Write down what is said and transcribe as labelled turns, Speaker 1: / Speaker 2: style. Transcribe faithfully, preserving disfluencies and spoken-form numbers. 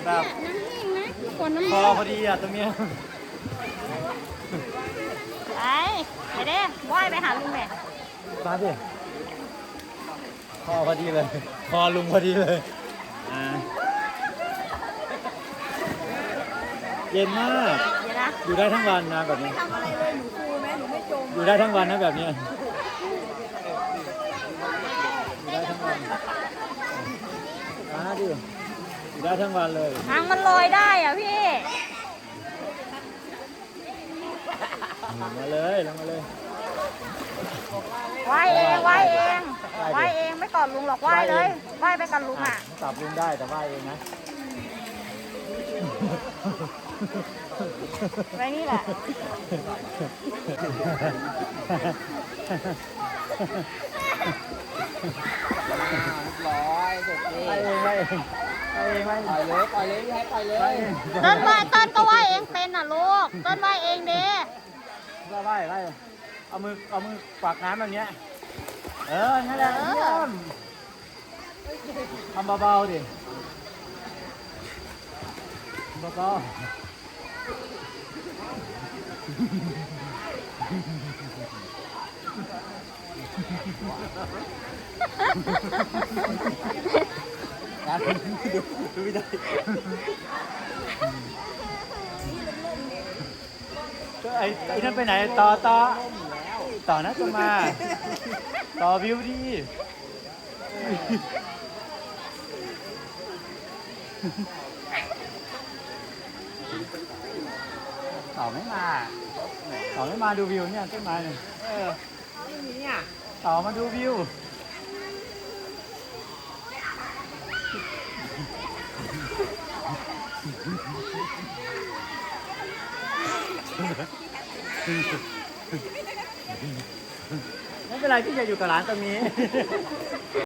Speaker 1: แบบ
Speaker 2: น้ำนิ่งนะขวดน้ำ
Speaker 1: พอพอดีอ่ะตรงเนี้ย
Speaker 2: ไปไปเด้ว่ายไปหาลุงแม่
Speaker 1: มาดิพอพอดีเลย พอลุงพอดีเลยอ่าเย็นมาก
Speaker 2: เดี๋ยวนะ
Speaker 1: อยู่ได้ทั้งวันนะแบบนี้
Speaker 3: ทำอะไรเลยหนูฟูไหมหนูไม่จม
Speaker 1: อยู่ได้ทั้งวันนะแบบเนี้ยอยู่ได้ทั้งวันมาดิอยู่ได้ทั้งวันเลย
Speaker 2: ทางมันลอยได้อ่ะพี่
Speaker 1: มาเลยลงมาเลย
Speaker 2: ว่ายเองว่ายเอง
Speaker 1: ว่ายดิ
Speaker 2: ว่ายเองไม่กอดลุงหรอกว่ายเลยว่ายไปกับลุงอ่ะ
Speaker 1: จับลุงได้แต่ว่าเองนะ
Speaker 2: ไว้นี่แหละ
Speaker 3: ร้อยสุดที่
Speaker 1: ไปเองไปเองไปเองไป
Speaker 3: ปล่อยเลยปล่อยเลยพี่ให้ปล่อยเลย
Speaker 1: ไปเอง
Speaker 2: เต้นว่ายเต้นก็ว่ายเองเป็นน่ะลูกเต้นว่ายเองเด้
Speaker 1: ไปไปไปเอามือเอามือฝากน้ำแบบเนี้ยเออนั่นแหละเยี่ยมทำเบาๆดิเบาๆนะดูดูไม่ได้ก็ไอ้ไอ้นั่นไปไหนต่อต่อต่อนะจะมาต่อวิวดีต่อไม่มาต่อไม่มาดูวิวเนี่ยต้นไม้เนี่ยเออ
Speaker 3: ไม่มีอ่ะ
Speaker 1: ต่อมาดูวิวไม่เป็นไรพี่จะอยู่กับร้านตรงนี้